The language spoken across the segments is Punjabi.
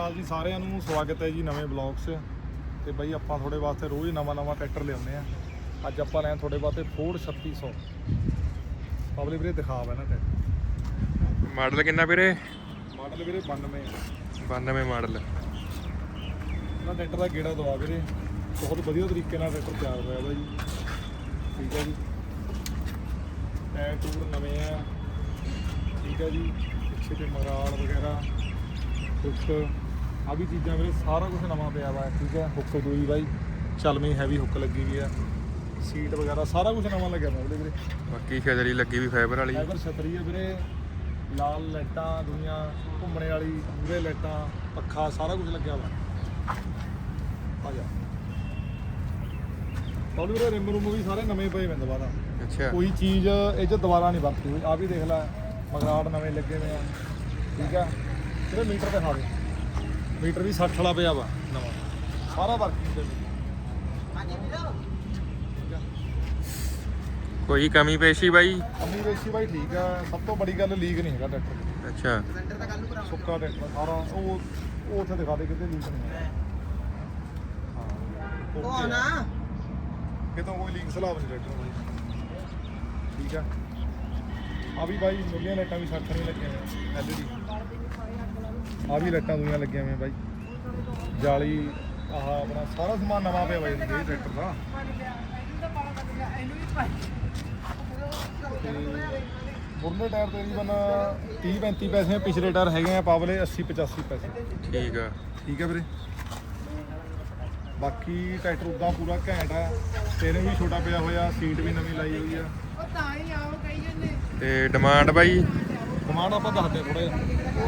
ਅਕਾਲ ਜੀ ਸਾਰਿਆਂ ਨੂੰ, ਸਵਾਗਤ ਹੈ ਜੀ ਨਵੇਂ ਬਲੌਗ 'ਚ। ਤੇ ਬਈ ਆਪਾਂ ਤੁਹਾਡੇ ਵਾਸਤੇ ਰੋਜ਼ ਨਵਾਂ ਟਰੈਕਟਰ ਲਿਆਉਂਦੇ ਆ। ਅੱਜ ਆਪਾਂ ਲੈਣ ਤੁਹਾਡੇ ਵਾਸਤੇ ਫੋਰਡ 3600 ਪਬਲਿਕ ਵੀਰੇ ਦਿਖਾ ਵਾ ਨਾ ਟਰੈਕਟਰ। ਮਾਡਲ ਕਿੰਨਾ ਵੀਰੇ? ਮਾਡਲ ਵੀਰੇ 92 ਮਾਡਲ। ਇਹਨਾਂ ਟਰੈਕਟਰ ਦਾ ਗੇੜਾ ਦਵਾ ਵੀਰੇ, ਬਹੁਤ ਵਧੀਆ ਤਰੀਕੇ ਨਾਲ ਟਰੈਕਟਰ ਤਿਆਰ ਹੋਇਆ ਵਾ ਜੀ। ਠੀਕ ਹੈ ਜੀ, ਟਾਇਰ ਟੂਰ ਨਵੇਂ ਆ। ਠੀਕ ਹੈ ਜੀ, ਪਿੱਛੇ ਤੇ ਮਰਾਲ ਵਗੈਰਾ ਹੁੱਕ ਆ ਵੀ ਚੀਜ਼ਾਂ ਵੀਰੇ ਸਾਰਾ ਕੁਝ ਨਵਾਂ ਪਿਆ ਵਾ। ਠੀਕ ਹੈ, ਹੁੱਕ ਦੂਈ ਬਾਈ ਚਲਵੀਂ ਹੈਵੀ ਹੁੱਕ ਲੱਗੀ ਵੀ ਆ, ਸੀਟ ਵਗੈਰਾ ਸਾਰਾ ਕੁਝ ਨਵਾਂ ਲੱਗਿਆ ਵਾ ਉਹਦੇ ਵੀਰੇ। ਬਾਕੀ ਛਤਰੀ ਲੱਗੀ ਵੀ ਫਾਈਬਰ ਵਾਲੀ। ਫਾਈਬਰ ਛਤਰੀ ਹੈ ਵੀਰੇ, ਲਾਲ ਲਾਈਟਾਂ ਦੁਨੀਆਂ ਘੁੰਮਣੇ ਵਾਲੀ, ਮੂਹਰੇ ਲਾਈਟਾਂ, ਪੱਖਾ ਸਾਰਾ ਕੁਝ ਲੱਗਿਆ ਵਾ। ਆ ਜਾ ਤੁਹਾਨੂੰ ਵੀਰੇ ਰਿਮ ਰੂਮ ਵੀ ਸਾਰੇ ਨਵੇਂ ਪਏ ਵੇ ਦੁਬਾਰਾ। ਅੱਛਾ, ਕੋਈ ਚੀਜ਼ ਇਹ 'ਚ ਦੁਬਾਰਾ ਨਹੀਂ ਵਰਤੀ ਹੋਈ। ਆ ਵੀ ਦੇਖ ਲੈ, ਮਗਰਾਟ ਨਵੇਂ ਲੱਗੇ ਹੋਏ ਆ। ਠੀਕ ਆ ਵੀਰੇ, ਮੀਟਰ ਦਿਖਾ ਦੇ, ਮੀਟਰ ਵੀ 60 ਵਾਲਾ ਪਿਆ ਵਾ ਨਵਾਂ, ਸਾਰਾ ਵਰਕਿੰਗ ਦੇ ਵਿੱਚ। ਕੋਈ ਕਮੀ ਪੇਸ਼ੀ ਬਾਈ? ਅਮੀ ਵੇਸ਼ੀ ਬਾਈ ਠੀਕ ਆ। ਸਭ ਤੋਂ ਬੜੀ ਗੱਲ ਲੀਕ ਨਹੀਂ ਹੈਗਾ ਟਰੈਕਟਰ। ਅੱਛਾ, ਸੁੱਕਾ ਟਰੈਕਟਰ ਸਾਰਾ। ਉਹ ਉੱਥੇ ਦਿਖਾ ਦੇ ਕਿਤੇ ਲੀਕ ਨਹੀਂ ਹੈ। ਹਾਂ ਨਾ ਕਿਤੋਂ ਕੋਈ ਲੀਕ ਸਲਾਬ ਨਹੀਂ ਟਰੈਕਟਰ ਬਾਈ। ਠੀਕ ਆ, ਆ ਵੀ ਬਾਈ ਮੁੱਲੀਆਂ ਲਾਈਟਾਂ ਵੀ 60 ਨਹੀਂ ਲੱਗੀਆਂ ਹੋਈਆਂ LED। ਆ ਵੀ ਲਾਈਟਾਂ ਦੁਨੀਆਂ ਲੱਗੀਆਂ ਹੋਈਆਂ ਬਾਈ, ਜਾਲੀ ਆਹ ਆਪਣਾ ਸਾਰਾ ਸਮਾਨ ਨਵਾਂ ਪਿਆ ਬਾਈ ਇਹ ਟਰੈਕਟਰ ਦਾ। ਮੁਰਲੇ ਟਾਇਰ ਤਕਰੀਬਨ 30-35 ਪੈਸੇ, ਪਿਛਲੇ ਟਾਇਰ ਹੈਗੇ ਆ ਪਾਵਲੇ 80-85 ਪੈਸੇ। ਠੀਕ ਆ। ਠੀਕ ਹੈ ਵੀਰੇ, ਬਾਕੀ ਟਰੈਕਟਰ ਉਦਾਂ ਪੂਰਾ ਘੈਂਟ ਆ। ਸਟੀਅਰਿੰਗ ਵੀ ਛੋਟਾ ਪਿਆ ਹੋਇਆ, ਸੀਟ ਵੀ ਨਵੀਂ ਲਾਈ ਹੋਈ ਆ। ਤੇ ਡਿਮਾਂਡ ਬਾਈ? ਕਮਾਂਡ ਆਪਾਂ ਦੱਸਦੇ ਥੋੜਾ ਜਿਹਾ।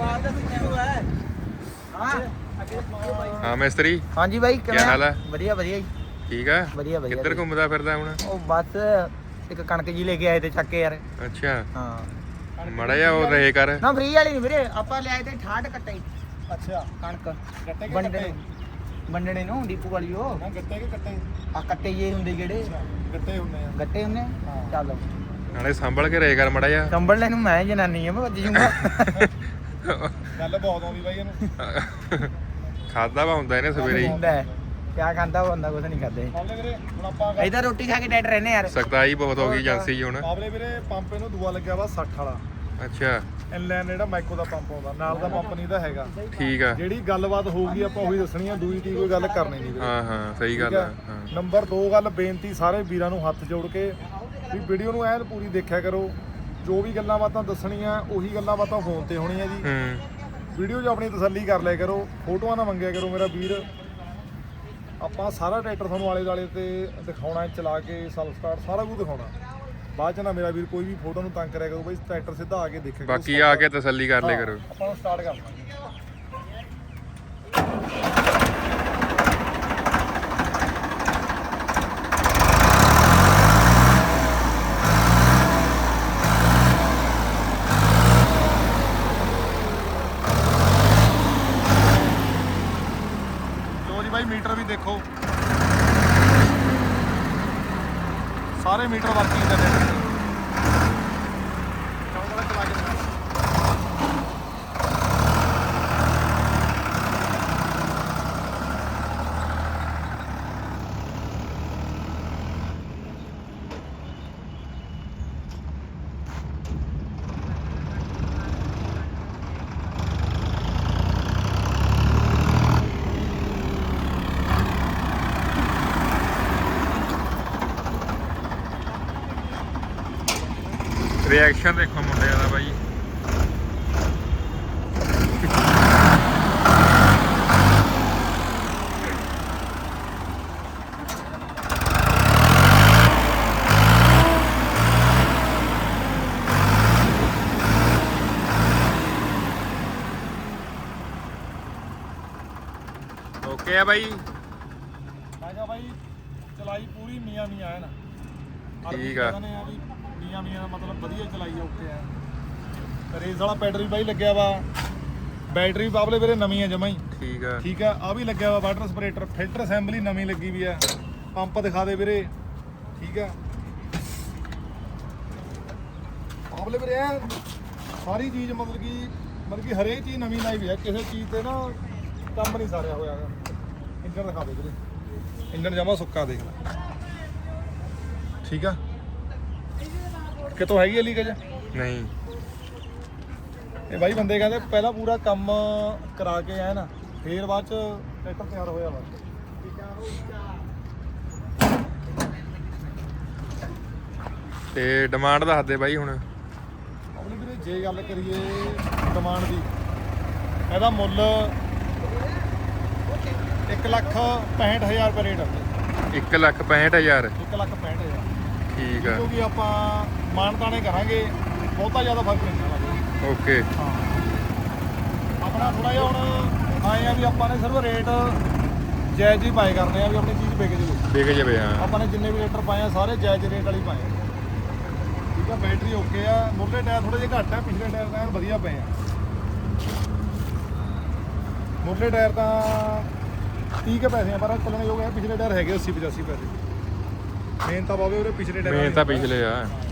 ਹਾਂ ਮਿਸਤਰੀ, ਹਾਂਜੀ ਬਾਈ, ਕੀ ਹਾਲ ਹੈ? ਵਧੀਆ ਜੀ। ਠੀਕ ਆ। ਵਧੀਆ ਕਿੱਧਰ ਘੁੰਮਦਾ ਫਿਰਦਾ ਹੁਣ? ਉਹ ਬਸ ਇੱਕ ਕਣਕ ਜੀ ਲੈ ਕੇ ਆਏ ਤੇ ਚੱਕ ਕੇ ਯਾਰ। ਅੱਛਾ, ਹਾਂ ਮੜਾ ਜਾ ਉਹ ਰਹੇ ਕਰ ਨਾ, ਫ੍ਰੀ ਵਾਲੀ ਨਹੀਂ ਵੀਰੇ, ਆਪਾਂ ਲਿਆਏ ਤੇ 68 ਕੱਟੇ। ਅੱਛਾ, ਕਣਕ ਗੱਟੇ ਕਿ ਵੰਡਣੇ ਨੂੰ ਡੀਪੂ ਵਾਲੀ। ਉਹ ਨਾ ਗੱਟੇ ਕਿ ਕੱਟੇ? ਆ ਕੱਟੇ ਜੇ ਹੁੰਦੇ ਜਿਹੜੇ ਗੱਟੇ ਹੁੰਦੇ ਆ। ਗੱਟੇ ਹੁੰਦੇ। ਹਾਂ। ਚੱਲ ਨਾਲੇ ਸੰਭਲ ਕੇ ਰਹੇ ਕਰ ਮੜਾ ਜਾ। ਕੰਬਲ ਨੂੰ ਮੈਂ ਜਨਾਨੀ ਆ, ਮੈਂ ਵੱਜ ਜੂੰਗਾ। ਗੱਲ ਬਹੁਤ ਆਉਂਦੀ ਬਾਈ ਇਹਨੂੰ। ਖਾਦਾ ਵਾ ਹੁੰਦਾ ਇਹਨੇ ਸਵੇਰੇ ਹੀ। ਕਿਆ ਖਾਂਦਾ ਬੰਦਾ, ਕੁਝ ਨਹੀਂ ਖਾਂਦੇ। ਪਾਵਲੇ ਵੀਰੇ ਹੁਣ ਆਪਾਂ ਇਧਰ ਰੋਟੀ ਖਾ ਕੇ ਡੈਡ ਰਹਿੰਦੇ ਯਾਰ। ਸਖਤਾਈ ਬਹੁਤ ਹੋ ਗਈ ਏਜੰਸੀ 'ਚ ਹੁਣ। ਪਾਵਲੇ ਵੀਰੇ ਪੰਪ ਇਹਨੂੰ ਦੂਆ ਲੱਗਿਆ ਵਾ 60 ਵਾਲਾ। ਅੱਛਾ, ਇਨਲਾਈਨ ਜਿਹੜਾ ਮਾਈਕੋ ਦਾ ਪੰਪ ਆਉਂਦਾ ਨਾਲ ਦਾ ਪੰਪ ਨਹੀਂ ਦਾ ਹੈਗਾ। ਠੀਕ ਆ। ਜਿਹੜੀ ਗੱਲਬਾਤ ਹੋਊਗੀ ਆਪਾਂ ਉਹੀ ਦੱਸਣੀ ਆ, ਦੂਈ ਤੀ ਕੋਈ ਗੱਲ ਕਰਨੀ ਨਹੀਂ ਵੀਰੇ। ਹਾਂ ਸਹੀ ਗੱਲ ਆ। ਹਾਂ, ਨੰਬਰ 2 ਗੱਲ ਬੇਨਤੀ ਸਾਰੇ ਵੀਰਾਂ ਨੂੰ ਹੱਥ ਜੋੜ ਕੇ ਵੀ ਵੀਡੀਓ ਨੂੰ ਐਨ ਪੂਰੀ ਦੇਖਿਆ ਕਰੋ। ਜੋ ਵੀ ਗੱਲਾਂ ਬਾਤਾਂ ਦੱਸਣੀਆਂ ਉਹੀ ਗੱਲਾਂ ਬਾਤਾਂ ਫੋਨ ਤੇ ਹੋਣੀਆਂ ਜੀ। ਵੀਡੀਓ 'ਚ ਆਪਣੀ ਤਸੱਲੀ ਕਰ ਲਿਆ ਕਰੋ, ਫੋਟੋਆਂ ਨਾ ਮੰਗਿਆ ਕਰੋ ਮੇਰਾ ਵੀਰ। ਆਪਾਂ ਸਾਰਾ ਟਰੈਕਟਰ ਤੁਹਾਨੂੰ ਆਲੇ ਦੁਆਲੇ ਤੇ ਦਿਖਾਉਣਾ, ਚਲਾ ਕੇ ਸੈਲਫ ਸਟਾਰਟ ਸਾਰਾ ਕੁਝ ਦਿਖਾਉਣਾ। ਬਾਅਦ 'ਚ ਨਾ ਮੇਰਾ ਵੀਰ ਕੋਈ ਵੀ ਫੋਟੋ ਨੂੰ ਤੰਗ ਕਰਿਆ ਕਰੋ ਬਈ, ਟਰੈਕਟਰ ਸਿੱਧਾ ਆ ਕੇ ਦੇਖਿਆ ਕਰੋ। ਬਾਕੀ ਆ ਕੇ ਤਸੱਲੀ ਕਰ ਲਿਆ ਕਰੋ। ਆਪਾਂ ਨੂੰ ਸਟਾਰਟ ਕਰ ਲਾਂਗੇ। ਬਾਈ ਮੀਟਰ ਵੀ ਦੇਖੋ, ਸਾਰੇ ਮੀਟਰ ਵਰਕਿੰਗ ਦੇ ਨੇ। ਚਲਾ ਕੇ ਰਿਐਕਸ਼ਨ ਦੇਖੋ ਮੁੰਡਿਆਂ ਦਾ ਬਾਈ। ਓਕੇ ਆ ਬਾਈ। ਮੈਂ ਕਿਹਾ ਬਾਈ ਚਲਾਈ ਪੂਰੀ ਮੀਆਂ ਹੈ ਨਾ। ਠੀਕ ਆ। ਮੀਆਂ ਦਾ ਮਤਲਬ ਵਧੀਆ ਚਲਾਈ ਓਕੇ ਆ। ਰੇਸ ਵਾਲਾ ਪੈਡਲ ਵੀ ਬਾਈ ਲੱਗਿਆ ਵਾ। ਬੈਟਰੀ ਬਾਬਲੇ ਵੀਰੇ ਨਵੀਂ ਆ ਜਮਾਂ ਹੀ। ਠੀਕ ਆ। ਆ ਵੀ ਲੱਗਿਆ ਵਾ ਵਾਟਰ ਸਪਰੇਟਰ, ਫਿਲਟਰ ਅਸੈਂਬਲੀ ਨਵੀਂ ਲੱਗੀ ਵੀ ਆ। ਪੰਪ ਦਿਖਾ ਦੇ ਵੀਰੇ। ਠੀਕ ਆ ਬਾਬਲੇ ਵੀਰੇ ਸਾਰੀ ਚੀਜ਼ ਮਤਲਬ ਕਿ ਹਰੇਕ ਚੀਜ਼ ਨਵੀਂ ਲਾਈ ਵੀ ਆ। ਕਿਸੇ ਚੀਜ਼ ਤੇ ਨਾ ਕੰਮ ਨਹੀਂ ਸਾਰਿਆ ਹੋਇਆ ਗਾ। ਇੰਜਣ ਦਿਖਾ ਦੇ ਵੀਰੇ, ਇੰਜਣ ਜਮਾ ਸੁੱਕਾ ਦੇਖ ਲੈ। ਠੀਕ ਆ, ਕਿਤੋਂ ਹੈਗੀ ਹੈ ਲੀਕੇਜ? ਨਹੀਂ ਇਹ ਬਾਈ ਬੰਦੇ ਕਹਿੰਦੇ ਪਹਿਲਾਂ ਪੂਰਾ ਕੰਮ ਕਰਾ ਕੇ ਆਏ ਨਾ, ਫੇਰ ਬਾਅਦ ਚ ਟਰੈਕਟਰ ਤਿਆਰ ਹੋਇਆ ਵਾ। ਤੇ ਡਿਮਾਂਡ ਦੱਸ ਦੇ ਬਾਈ ਹੁਣ। ਆਪਣੀ ਵੀਰੇ ਜੇ ਗੱਲ ਕਰੀਏ ਡਿਮਾਂਡ ਦੀ, ਇਹਦਾ ਮੁੱਲ 1,65,000 ਰੁਪਏ ਰੇਟ ਆ। 1,65,000 1,65,000 ਠੀਕ ਆ। ਕਿਉਂਕਿ ਆਪਾਂ ਮਾਨਤਾਣੇ ਕਰਾਂਗੇ, ਬਹੁਤਾ ਜ਼ਿਆਦਾ ਫਰਕ ਨਹੀਂ ਪੈਣਾ। ਓਕੇ ਹਾਂ, ਆਪਣਾ ਥੋੜਾ ਜਿਹਾ ਹੁਣ ਆਏ ਆ ਵੀ ਆਪਾਂ ਨੇ ਸਿਰਫ ਰੇਟ ਜਾਇਜ਼ ਹੀ ਪਾਏ ਕਰਨੇ ਆ ਵੀ ਆਪਣੀ ਚੀਜ਼ ਵਿਕ ਜਾਵੇ। ਵਿਕ ਜਾਵੇ ਹਾਂ। ਆਪਾਂ ਨੇ ਜਿੰਨੇ ਵੀ ਲੀਟਰ ਪਾਏ ਆ ਸਾਰੇ ਜਾਇਜ਼ ਰੇਟ ਵਾਲੀ ਪਾਏ ਆ। ਠੀਕ ਆ, ਬੈਟਰੀ ਓਕੇ ਆ, ਮੁੱਢਲੇ ਟਾਇਰ ਥੋੜੇ ਜਿਹੇ ਘੱਟ ਆ, ਪਿਛਲੇ ਟਾਇਰ ਤਾਂ ਐਨ ਵਧੀਆ ਪਏ ਆ। ਮੁੱਢਲੇ ਟਾਇਰ ਤਾਂ 30 ਕੇ ਪੈਸੇ ਆ, ਪਰ ਚੱਲਣੇ ਯੋਗ ਆ। ਪਿਛਲੇ ਟਾਇਰ ਹੈਗੇ 80-85 ਪੈਸੇ। ਮੇਨ ਤਾਂ ਬਾਵੇ ਉਹਦੇ ਪਿਛਲੇ ਟਾਇਰ ਮੇਨ ਤਾਂ ਪਿਛਲੇ ਆ।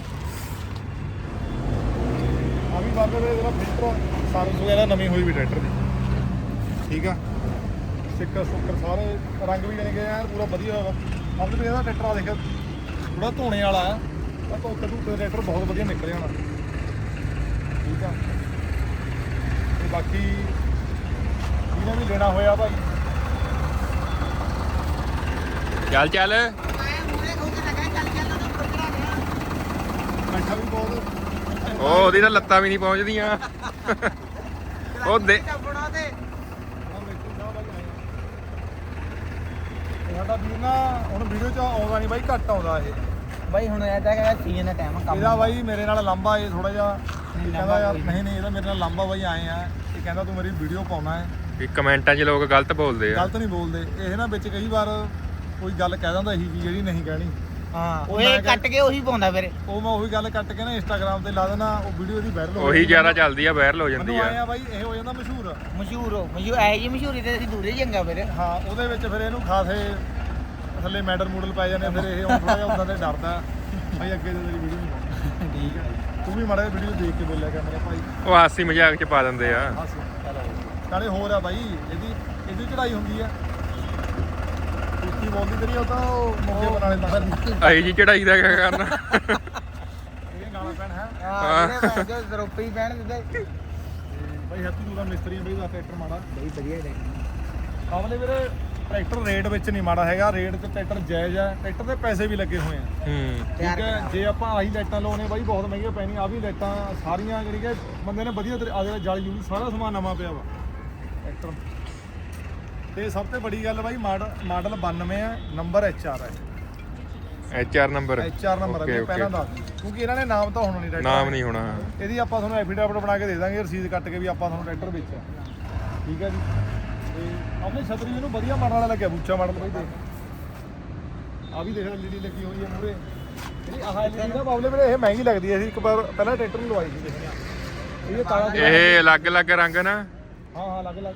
ਆ ਵੀ ਬਾਬੇ ਦੇ ਜਿਹੜਾ ਫਿਲਟਰ ਸਰਵਿਸ ਵਗੈਰਾ ਨਵੀਂ ਹੋਈ ਵੀ ਟਰੈਕਟਰ ਦੀ। ਠੀਕ ਆ, ਸਟicker ਸੁੱਕਰ ਸਾਰੇ ਰੰਗ ਵੀ ਜਾਣੇ ਗਏ ਯਾਰ ਪੂਰਾ ਵਧੀਆ ਹੋਇਆ। ਆਪਣੇ ਵੀ ਇਹਦਾ ਟਰੈਕਟਰ ਆ ਦੇਖ ਥੋੜਾ ਧੋਣੇ ਵਾਲਾ ਆ, ਤਾਂ ਧੋਤੇ ਧੂਤੇ ਟਰੈਕਟਰ ਬਹੁਤ ਵਧੀਆ ਨਿਕਲ ਜਾਣਾ। ਠੀਕ ਆ, ਤੇ ਬਾਕੀ ਜਿਹਨੇ ਵੀ ਲੈਣਾ ਹੋਇਆ ਭਾਈ ਚੱਲ ਚੱਲ ਬੈਠਾ ਵੀ ਬਹੁਤ ਉਹਦੀ ਤਾਂ ਲੱਤਾਂ ਵੀ ਨਹੀਂ ਪਹੁੰਚਦੀਆਂ। ਉਹ ਦੇ ਸਾਡਾ ਵੀਰ ਨਾ ਹੁਣ ਵੀਡੀਓ 'ਚ ਆਉਂਦਾ ਨਹੀਂ ਬਾਈ, ਘੱਟ ਆਉਂਦਾ ਇਹ ਬਾਈ ਹੁਣ ਐਦਾ ਕਿ ਸੀਜ਼ਨ ਦਾ ਟਾਈਮ ਕੰਮ ਇਹਦਾ ਬਾਈ ਮੇਰੇ ਨਾਲ ਲੰਬਾ ਇਹ ਥੋੜਾ ਜਿਹਾ ਕਹਿੰਦਾ ਯਾਰ ਨਹੀਂ ਇਹਦਾ ਮੇਰੇ ਨਾਲ ਲੰਬਾ ਬਾਈ ਆਏ ਆ, ਇਹ ਕਹਿੰਦਾ ਤੂੰ ਮੇਰੀ ਵੀਡੀਓ ਪਾਉਣਾ ਹੈ। ਵੀ ਕਮੈਂਟਾਂ 'ਚ ਲੋਕ ਗਲਤ ਬੋਲਦੇ ਆ। ਗਲਤ ਨਹੀਂ ਬੋਲਦੇ ਇਹ ਨਾ, ਵਿੱਚ ਕਈ ਵਾਰ ਕੋਈ ਗੱਲ ਕਹਿ ਦਿੰਦਾ ਇਹੀ ਜੀ ਜਿਹੜੀ ਨਹੀਂ ਕਹਿਣੀ। ਹਾਂ ਉਹ ਇਹ ਕੱਟ ਕੇ ਉਹੀ ਪਾਉਂਦਾ ਫਿਰ। ਉਹ ਮੈਂ ਉਹੀ ਗੱਲ ਕੱਟ ਕੇ ਨਾ ਇੰਸਟਾਗ੍ਰਾਮ ਤੇ ਲਾ ਦੇਣਾ, ਉਹ ਵੀਡੀਓ ਦੀ ਵਾਇਰਲ ਹੋ ਉਹੀ ਜ਼ਿਆਦਾ ਚੱਲਦੀ ਆ, ਵਾਇਰਲ ਹੋ ਜਾਂਦੀ ਮੈਨੂੰ ਆਏ ਆ। ਆ ਬਾਈ ਇਹ ਹੋ ਜਾਂਦਾ ਮਸ਼ਹੂਰ। ਮਸ਼ਹੂਰ ਐ ਜੀ ਮਸ਼ਹੂਰੀ ਤੇ ਅਸੀਂ ਦੂਰੇ ਚੰਗਾ ਫਿਰ। ਹਾਂ, ਉਹਦੇ ਵਿੱਚ ਫਿਰ ਇਹਨੂੰ ਖਾਸੇ ਥੱਲੇ ਮੈਡਲ ਮੂਡਲ ਪਾਏ ਜਾਂਦੇ, ਫਿਰ ਇਹ ਹੁਣ ਥੋੜਾ ਜਿਹਾ ਉਦਾਂ ਤੇ ਡਰਦਾ ਭਾਈ ਅੱਗੇ ਤੋਂ ਤੇਰੀ ਵੀਡੀਓ ਨਹੀਂ ਪਾਉਣੀ। ਠੀਕ ਹੈ, ਤੂੰ ਵੀ ਮਾੜਾ ਜਿਹਾ ਵੀਡੀਓ ਦੇਖ ਕੇ ਬੋਲਿਆ ਕਰ ਮੇਰਾ ਭਾਈ। ਉਹ ਹਾਸੀ ਮਜ਼ਾਕ 'ਚ ਪਾ ਦਿੰਦੇ ਆ। ਨਾਲੇ ਹੋਰ ਆ ਬਾਈ ਇਹਦੀ ਚੜਾਈ ਹੁੰਦੀ ਆ, ਉੱਚੀ ਬੋਲਦੀ ਤੇਰੀ ਉਹ ਤਾਂ ਉਹ ਮੋਗੇ ਬਨਾਲੇ ਤੱਕ ਆਈ ਜੀ ਚੜਾਈ ਦਾ ਕਿਆ ਕਰਨਾ। ਇਹ ਗਾਣਾ ਪੈਣ ਹੈ ਹਾਂ ਜਿਹੜੇ ਜੋ ਜ਼ਰੂਪੀ ਪੈਣ ਦਿੰਦੇ। ਬਾਈ ਹੈਪੀ ਤੂੰ ਦਾ ਮਿਸਤਰੀ ਆ ਬਈ ਦਾ ਟਰੈਕਟਰ ਮਾੜਾ ਬਈ ਵਧੀਆ ਟਰੈਕਟਰ। ਆਵਲੇ ਵੀਰੇ ਟਰੈਕਟਰ ਰੇਟ ਵਿੱਚ ਨਹੀਂ ਮਾੜਾ ਹੈਗਾ, ਰੇਟ ਤੇ ਟਰੈਕਟਰ ਜਾਇਜ਼ ਆ, ਟਰੈਕਟਰ ਦੇ ਪੈਸੇ ਵੀ ਲੱਗੇ ਹੋਏ ਆ। ਠੀਕ ਹੈ, ਜੇ ਆਪਾਂ ਆਹੀ ਲਾਈਟਾਂ ਲਾਉਣੇ ਬਾਈ ਬਹੁਤ ਮਹਿੰਗੀਆਂ ਪੈਣੀਆਂ। ਆ ਵੀ ਲਾਈਟਾਂ ਸਾਰੀਆਂ ਜਿਹੜੀ ਕਿ ਬੰਦੇ ਨੇ ਵਧੀਆ ਆਦੇ ਜਲ ਜੂਲ ਸਾਰਾ ਸਮਾਨ ਨਵਾਂ ਪਿਆ ਵਾ ਟਰੈਕਟਰ ਤੇ। ਸਭ ਤੋਂ ਬੜੀ ਗੱਲ ਬਾਈ ਮਾਡਲ 92 ਆ, ਨੰਬਰ HR ਹੈ। HR ਨੰਬਰ HR ਨੰਬਰ ਹੈ, ਪਹਿਲਾਂ ਦੱਸ ਦਿਓ ਕਿਉਂਕਿ ਇਹਨਾਂ ਨੇ ਨਾਮ ਤਾਂ ਹੋਣਾ ਨਹੀਂ ਟਰੈਕਟਰ, ਨਾਮ ਨਹੀਂ ਹੋਣਾ। ਇਹਦੀ ਆਪਾਂ ਤੁਹਾਨੂੰ ਐਫੀਡੇਵਿਟ ਬਣਾ ਕੇ ਦੇ ਦਾਂਗੇ, ਰਸੀਦ ਕੱਟ ਕੇ ਵੀ ਆਪਾਂ ਤੁਹਾਨੂੰ ਟਰੈਕਟਰ ਵੇਚਿਆ। ਠੀਕ ਹੈ ਜੀ, ਤੇ ਆਪਣੇ ਛਤਰੀ ਇਹਨੂੰ ਵਧੀਆ ਮਾਡਲ ਵਾਲਾ ਲੱਗਿਆ, ਬੂਚਾ ਮਾਡਲ ਬਾਈ ਦੇਖ। ਆ ਵੀ ਦੇਖ LED ਲੱਗੀ ਹੋਈ ਹੈ ਮੂਰੇ। ਜਿਹੜੀ ਆਹ LED ਦਾ ਬਾਬਲੇ ਵੀਰੇ ਇਹ ਮਹਿੰਗੀ ਲੱਗਦੀ ਹੈ। ਅਸੀਂ ਇੱਕ ਵਾਰ ਪਹਿਲਾਂ ਟਰੈਕਟਰ ਨੂੰ ਲਵਾਈ ਸੀ ਦੇਖਿਆ ਇਹ ਤਾਲਾ। ਇਹ ਅਲੱਗ-ਅਲੱਗ ਰੰਗ ਨਾ। ਹਾਂ ਅਲੱਗ-ਅਲੱਗ।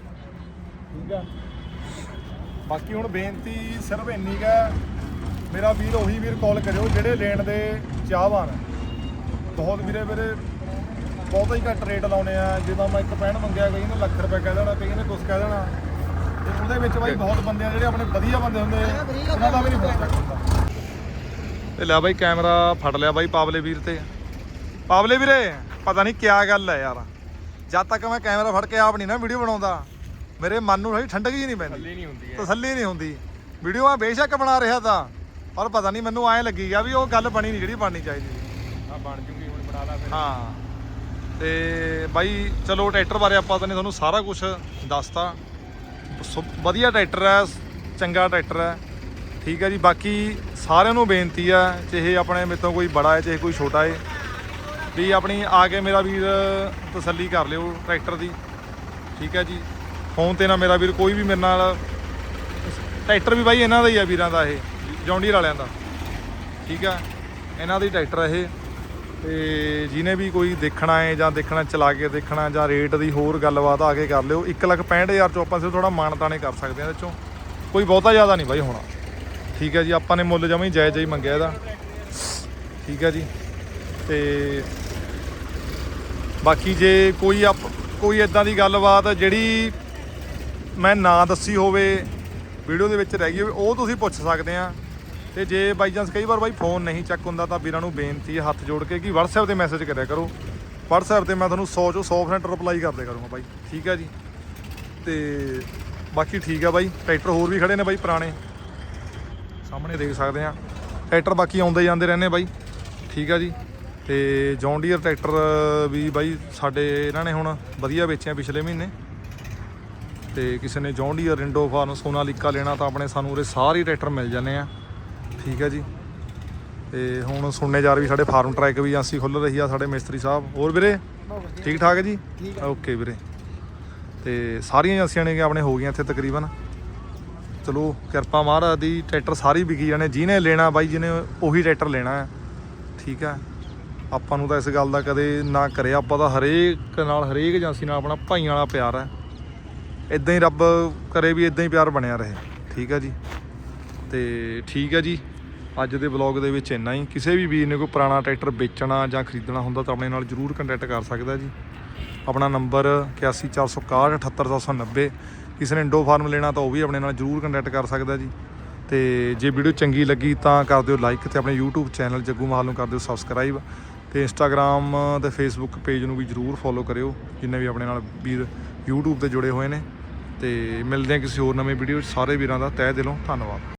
ਠੀਕ ਆ, ਬਾਕੀ ਹੁਣ ਬੇਨਤੀ ਸਿਰਫ ਇੰਨੀ ਕੁ ਹੈ, ਮੇਰਾ ਵੀਰ ਉਹੀ ਵੀਰ ਕਾਲ ਕਰਿਓ ਜਿਹੜੇ ਲੈਣ ਦੇ ਚਾਹਵਾਨ। ਬਹੁਤ ਵੀਰੇ ਬਹੁਤ ਹੀ ਘੱਟ ਰੇਟ ਲਾਉਣੇ ਆ। ਜਦੋਂ ਮੈਂ 1.65 ਮੰਗਿਆ, ਕਈ ਨੇ ਲੱਖ ਰੁਪਏ ਕਹਿ ਦੇਣਾ, ਕਈ ਨੇ ਕੁਛ ਕਹਿ ਦੇਣਾ। ਤੇ ਉਹਦੇ ਵਿੱਚ ਬਾਈ ਬਹੁਤ ਬੰਦੇ ਆ ਜਿਹੜੇ ਆਪਣੇ ਵਧੀਆ ਬੰਦੇ ਹੁੰਦੇ, ਉਹਨਾਂ ਦਾ ਵੀ ਨਹੀਂ ਪਤਾ ਹੁੰਦਾ। ਤੇ ਲੈ ਬਾਈ ਕੈਮਰਾ ਫੜ ਲਿਆ ਬਾਈ ਪਾਵਲੇ ਵੀਰ ਤੇ। ਪਾਵਲੇ ਵੀਰੇ ਪਤਾ ਨਹੀਂ ਕਿਆ ਗੱਲ ਹੈ ਯਾਰ, ਜਦ ਤੱਕ ਮੈਂ ਕੈਮਰਾ ਫੜ ਕੇ ਆਪ ਨਹੀਂ ਨਾ ਵੀਡੀਓ ਬਣਾਉਂਦਾ, ਮੇਰੇ ਮਨ ਨੂੰ ਥੋੜੀ ਠੰਡਕ ਜੀ ਨਹੀਂ ਪੈਂਦੀ, ਤਸੱਲੀ ਨਹੀਂ ਹੁੰਦੀ। ਵੀਡੀਓ ਮੈਂ ਬੇਸ਼ੱਕ ਬਣਾ ਰਿਹਾ ਤਾਂ, ਪਰ ਪਤਾ ਨਹੀਂ ਮੈਨੂੰ ਐਂ ਲੱਗੀ ਗਿਆ ਵੀ ਉਹ ਗੱਲ ਬਣੀ ਨਹੀਂ ਜਿਹੜੀ ਬਣਨੀ ਚਾਹੀਦੀ। ਆ ਬਣ ਜੂਗੀ ਹੁਣ, ਬਣਾ ਲਾ ਫਿਰ। ਹਾਂ, ਤੇ ਬਾਈ ਚਲੋ ਟਰੈਕਟਰ ਬਾਰੇ ਆਪਾਂ ਤਾਂ ਨੇ ਤੁਹਾਨੂੰ ਸਾਰਾ ਕੁਝ ਦੱਸਤਾ। ਵਧੀਆ ਟਰੈਕਟਰ ਹੈ, ਚੰਗਾ ਟਰੈਕਟਰ ਹੈ। ਠੀਕ ਹੈ ਜੀ, ਬਾਕੀ ਸਾਰਿਆਂ ਨੂੰ ਬੇਨਤੀ ਹੈ, ਚਾਹੇ ਆਪਣੇ ਮੇਰੇ ਤੋਂ ਕੋਈ ਬੜਾ ਹੈ ਚਾਹੇ ਕੋਈ ਛੋਟਾ ਹੈ, ਵੀ ਆਪਣੀ ਆ ਕੇ ਮੇਰਾ ਵੀਰ ਤਸੱਲੀ ਕਰ ਲਿਓ ਟਰੈਕਟਰ ਦੀ। ਠੀਕ ਹੈ ਜੀ, ਫੋਨ ਤੇ ਨਾ ਮੇਰਾ ਵੀਰ ਕੋਈ ਵੀ ਮੇਰੇ ਨਾਲ। ਟਰੈਕਟਰ ਵੀ ਬਾਈ ਇਹਨਾਂ ਦਾ ਹੀ ਆ ਵੀਰਾਂ ਦਾ, ਇਹ ਜੌਂਡੀਅਰ ਵਾਲਿਆਂ ਦਾ। ਠੀਕ ਆ, ਇਹਨਾਂ ਦਾ ਹੀ ਟਰੈਕਟਰ ਹੈ ਇਹ। ਤੇ ਜਿਹਨੇ ਵੀ ਕੋਈ ਦੇਖਣਾ ਹੈ ਜਾਂ ਦੇਖਣਾ ਚਲਾ ਕੇ ਦੇਖਣਾ ਜਾਂ ਰੇਟ ਦੀ ਹੋਰ ਗੱਲਬਾਤ ਆ ਕੇ ਕਰ ਲਿਓ। 1,65,000 ਚੋਂ ਆਪਾਂ ਸਿਰਫ ਥੋੜਾ ਮਾਨਤਾਨੇ ਕਰ ਸਕਦੇ ਹਾਂ, ਇਹਦੇ ਚੋਂ ਕੋਈ ਬਹੁਤਾ ਜ਼ਿਆਦਾ ਨਹੀਂ ਬਾਈ ਹੋਣਾ। ਠੀਕ ਹੈ ਜੀ, ਆਪਾਂ ਨੇ ਮੁੱਲ ਜਮਾਂ ਹੀ ਜਾਇਜ਼ ਹੀ ਮੰਗਿਆ ਇਹਦਾ। ਠੀਕ ਹੈ ਜੀ, ਤੇ ਬਾਕੀ ਜੇ ਕੋਈ ਇਦਾਂ ਦੀ ਗੱਲਬਾਤ ਜਿਹੜੀ ਮੈਂ ਨਾਂ ਦੱਸੀ ਹੋਵੇ ਵੀਡੀਓ ਦੇ ਵਿੱਚ ਰਹਿ ਗਈ ਹੋਵੇ ਉਹ ਤੁਸੀਂ ਪੁੱਛ ਸਕਦੇ ਆ। ਤੇ ਜੇ ਬਾਈ ਚਾਂਸ ਕਈ ਵਾਰ ਬਾਈ ਫੋਨ ਨਹੀਂ ਚੱਕ ਹੁੰਦਾ ਤਾਂ ਵੀਰਾਂ ਨੂੰ ਬੇਨਤੀ ਹੈ ਹੱਥ ਜੋੜ ਕੇ ਕਿ WhatsApp ਤੇ ਮੈਸੇਜ ਕਰਿਆ ਕਰੋ। WhatsApp ਤੇ ਮੈਂ ਤੁਹਾਨੂੰ 100 ਚੋਂ 100% ਰਿਪਲਾਈ ਕਰਦੇ ਕਰੂੰਗਾ ਬਾਈ, ਠੀਕ ਹੈ ਜੀ। ਤੇ ਬਾਕੀ ਠੀਕ ਆ ਬਾਈ, ਟਰੈਕਟਰ ਹੋਰ ਵੀ ਖੜੇ ਨੇ ਬਾਈ ਪੁਰਾਣੇ, ਸਾਹਮਣੇ ਦੇਖ ਸਕਦੇ ਆ ਟਰੈਕਟਰ ਬਾਕੀ ਆਉਂਦੇ ਜਾਂਦੇ ਰਹਿੰਦੇ ਬਾਈ, ਠੀਕ ਆ ਜੀ। ਤੇ ਜੌਨ ਡੀਅਰ ਟਰੈਕਟਰ ਵੀ ਬਾਈ ਸਾਡੇ ਇਹਨਾਂ ਨੇ ਹੁਣ ਵਧੀਆ ਵੇਚਿਆ ਪਿਛਲੇ ਮਹੀਨੇ। ਤੇ ਕਿਸੇ ਨੇ ਜੌਨ ਡੀਅਰ ਇੰਡੋ ਫਾਰਮ ਸੋਨਾਲੀਕਾ ਲੈਣਾ ਤਾਂ ਆਪਣੇ ਸਾਨੂੰ ਉਰੇ ਸਾਰੇ ਟਰੈਕਟਰ ਮਿਲ ਜਾਂਦੇ ਆ, ਠੀਕ ਹੈ ਜੀ। ਤੇ ਹੁਣ ਸੁਣਨੇ ਜਾ ਰਹੀ ਸਾਡੇ ਫਾਰਮ ਟਰੈਕ ਵੀ ਏਜੰਸੀ ਖੁੱਲ੍ਹ ਰਹੀ ਆ ਸਾਡੇ ਮਿਸਤਰੀ ਸਾਹਿਬ। ਹੋਰ ਵੀਰੇ ਠੀਕ ਠਾਕ ਹੈ ਜੀ? ਓਕੇ ਵੀਰੇ। ਤੇ ਸਾਰੀਆਂ ਏਜੰਸੀਆਂ ਨੇ ਆਪਣੇ ਹੋ ਗਈਆਂ ਇੱਥੇ ਤਕਰੀਬਨ, ਚਲੋ ਕਿਰਪਾ ਮਹਾਰਾਜ ਦੀ। ਟਰੈਕਟਰ ਸਾਰੇ ਵਿਕੀ ਜਾਣੇ, ਜਿਹਨੇ ਲੈਣਾ ਬਾਈ ਜਿਹਨੇ ਉਹੀ ਟਰੈਕਟਰ ਲੈਣਾ ਹੈ, ਠੀਕ ਹੈ। ਆਪਾਂ ਨੂੰ ਤਾਂ ਇਸ ਗੱਲ ਦਾ ਕਦੇ ਨਾ ਕਰਿਆ, ਆਪਾਂ ਤਾਂ ਹਰੇਕ ਨਾਲ ਹਰੇਕ ਏਜੰਸੀ ਨਾਲ ਆਪਣਾ ਭਾਈਆਂ ਵਾਲਾ ਪਿਆਰ ਹੈ। ਇੱਦਾਂ ਹੀ ਰੱਬ ਕਰੇ ਵੀ ਇੱਦਾਂ ਹੀ ਪਿਆਰ ਬਣਿਆ ਰਹੇ, ਠੀਕ ਹੈ ਜੀ। ਤੇ ਠੀਕ ਹੈ ਜੀ, ਅੱਜ ਦੇ ਵਲੌਗ ਦੇ ਵਿੱਚ ਇੰਨਾ ਹੀ। ਕਿਸੇ ਵੀ ਵੀਰ ਨੇ ਕੋਈ ਪੁਰਾਣਾ ਟਰੈਕਟਰ ਵੇਚਣਾ ਜਾਂ ਖਰੀਦਣਾ ਹੁੰਦਾ ਤਾਂ ਆਪਣੇ ਨਾਲ ਜ਼ਰੂਰ ਕੰਟੈਕਟ ਕਰ ਸਕਦਾ ਜੀ। ਆਪਣਾ ਨੰਬਰ 8146 78790। ਕਿਸੇ ਨੇ ਇੰਡੋ ਫਾਰਮ ਲੈਣਾ ਤਾਂ ਉਹ ਵੀ ਆਪਣੇ ਨਾਲ ਜ਼ਰੂਰ ਕੰਟੈਕਟ ਕਰ ਸਕਦਾ ਜੀ। ਤੇ ਜੇ ਵੀਡੀਓ ਚੰਗੀ ਲੱਗੀ ਤਾਂ ਕਰ ਦਿਓ ਲਾਈਕ, ਤੇ ਆਪਣੇ YouTube ਚੈਨਲ ਜੱਗੂ ਮਾਹਲ ਨੂੰ ਕਰ ਦਿਓ ਸਬਸਕ੍ਰਾਈਬ, ਤੇ Instagram ਤੇ Facebook ਪੇਜ ਨੂੰ ਵੀ ਜ਼ਰੂਰ ਫੋਲੋ ਕਰਿਓ ਜਿੰਨੇ ਵੀ ਆਪਣੇ ਨਾਲ ਵੀਰ YouTube ਤੇ ਜੁੜੇ ਹੋਏ ਨੇ। ਤੇ ਮਿਲਦੇ ਹਾਂ ਕਿਸੇ ਹੋਰ ਨਵੇਂ ਵੀਡੀਓ 'ਚ। ਸਾਰੇ ਵੀਰਾਂ ਦਾ ਤਹਿ ਦਿਲੋਂ ਧੰਨਵਾਦ।